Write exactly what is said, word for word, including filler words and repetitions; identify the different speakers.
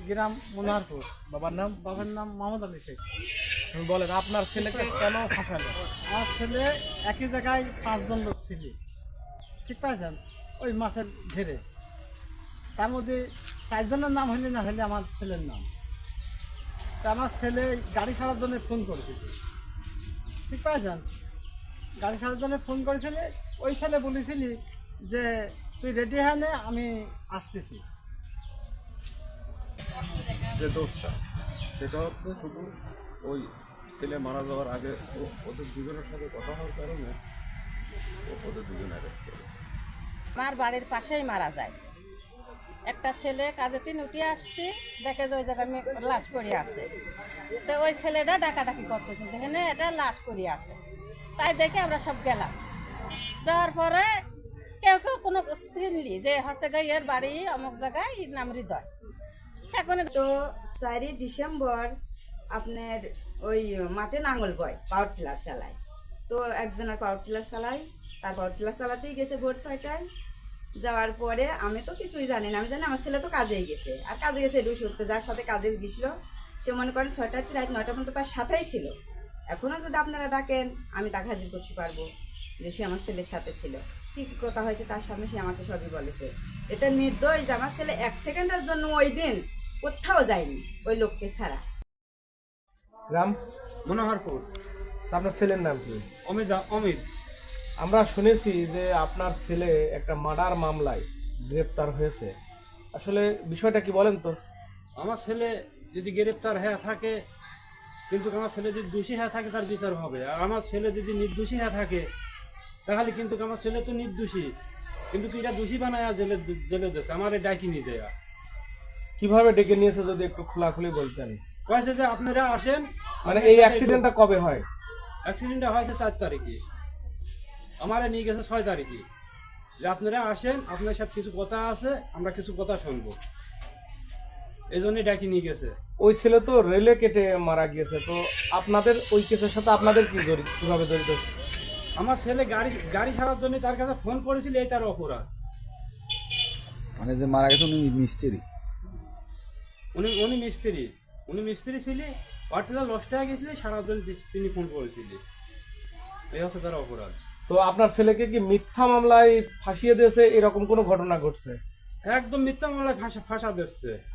Speaker 1: গ্রাম মনোহরপুর।
Speaker 2: বাবার নাম?
Speaker 1: বাবার নাম মোহাম্মদ আলী শেখ।
Speaker 2: তুমি বলেন আপনার ছেলেকে কেন ফাঁসালো?
Speaker 1: আমার ছেলে একই জায়গায় পাঁচজন লোক ছিল, ঠিক পাইছেন, ওই মাছের ঘেরে। তার মধ্যে চারজনের নাম হইলে না হইলে আমার ছেলের নাম। তা আমার ছেলে গাড়ি ছাড়ার জন্য ফোন করেছিল, ঠিক পাইছেন, গাড়ি ছাড়ার জন্য ফোন করেছিলে। ওই ছেলে বলেছিলি যে তুই রেডি হয়ে নে, আমি আসতেছি।
Speaker 3: যে দোষটা সেটা হচ্ছে শুধু ওই ছেলে মারা যাওয়ার আগে ও- ওদের দুজনের সাথে কথা হওয়ার কারণে ও- ওদের দুজনে অ্যারেস্ট করে।
Speaker 4: আমার বাড়ির পাশেই মারা যায়। একটা ছেলে কাজে তিন উঠে আসতে দেখে যে ওই জায়গায় মে- লাশ পড়ে আছে। তো ওই ছেলেটা ডাকাডাকি করতেছে যেখানে এটা লাশ পড়ে আছে। তাই দেখে আমরা সব গেলাম। যাওয়ার পরে কেউ কেউ কোনো চিনলি যে হচ্ছে গা এর বাড়ি অমুক জায়গায় এর নাম হৃদয়। সেখানে
Speaker 5: তো চারই ডিসেম্বর আপনার ওই মাঠে নাঙল বয়, পাওয়ার টিলার চালায়। তো একজনের পাওয়ার টিলার চালায়, তার পাওয়ার টিলার চালাতেই গেছে ভোর ছয়টায়। যাওয়ার পরে আমি তো কিছুই জানি না, আমি জানি আমার ছেলে তো কাজেই গেছে, আর কাজে গেছে এটু সত্যি, যার সাথে কাজে গেছিলো সে মনে করেন ছয়টার থেকে রাত নয়টা পর্যন্ত তার সাথেই ছিল। এখনও যদি আপনারা ডাকেন আমি তাকে হাজির করতে পারবো যে সে আমার ছেলের সাথে ছিল। কী কী কথা হয়েছে তার সামনে সে আমাকে সবই বলেছে। এটা নির্দোষ যে আমার ছেলে এক সেকেন্ডের জন্য ওই দিন কোথাও যায়নি ওই লোককে ছাড়া।
Speaker 2: গ্রাম?
Speaker 6: মনোহরপুর।
Speaker 2: তা আপনার ছেলের নাম কি?
Speaker 6: অমিত অমিত
Speaker 2: আমরা শুনেছি যে আপনার ছেলে একটা মার্ডার মামলায় গ্রেপ্তার হয়েছে, আসলে বিষয়টা কি বলেন তো?
Speaker 6: আমার ছেলে যদি গ্রেপ্তার হয়ে থাকে, কিন্তু আমার ছেলে যদি দোষী হয়ে থাকে তার বিচার হবে। আর আমার ছেলে যদি নির্দোষী হয়ে থাকে তাহলে কিন্তু আমার ছেলে তো নির্দোষী, কিন্তু এটা দোষী বানায় জেলে জেলে দিয়েছে, আমার ডাকিনি দেয়া।
Speaker 2: কিভাবে ডেকে নিয়েছে যদি একটু খোলাখুলি বলতেন।
Speaker 6: কয়েছে যে আপনারা আসেন।
Speaker 2: মানে এই অ্যাক্সিডেন্টটা কবে হয়?
Speaker 6: অ্যাক্সিডেন্টটা হয়েছে চার তারিখে, আমারে নিয়ে গেছে ছয় তারিখে। যে আপনারা আসেন, আপনার সাথে কিছু কথা আছে, আমরা কিছু কথা শুনবো, এই জন্যই ডাকি নিয়ে গেছে।
Speaker 2: ওই ছেলে তো রেলে কেটে মারা গিয়েছে, তো আপনাদের ওই কেসের সাথে আপনাদের কি জড়িত, কিভাবে জড়িত?
Speaker 6: আমার ছেলে গাড়ি গাড়ি ছাড়ার জন্য তার কাছে ফোন করেছিল, এই তার অপরাধ।
Speaker 7: মানে যে মারা গেছে উনি মিস্ত্রি?
Speaker 6: উনি উনি মিস্ত্রি উনি মিস্ত্রি ছিলেন, পার্টিলা লস্ট হয়ে গেছিল, সারার জন্য তিনি ফোন করেছিলেন, এই হচ্ছে তার অপরাধ।
Speaker 2: তো আপনার ছেলেকে কি মিথ্যা মামলায় ফাঁসিয়ে দিয়েছে, এরকম কোনো ঘটনা ঘটছে?
Speaker 6: একদম মিথ্যা মামলায় ফাঁসা ফাঁসা দিচ্ছে।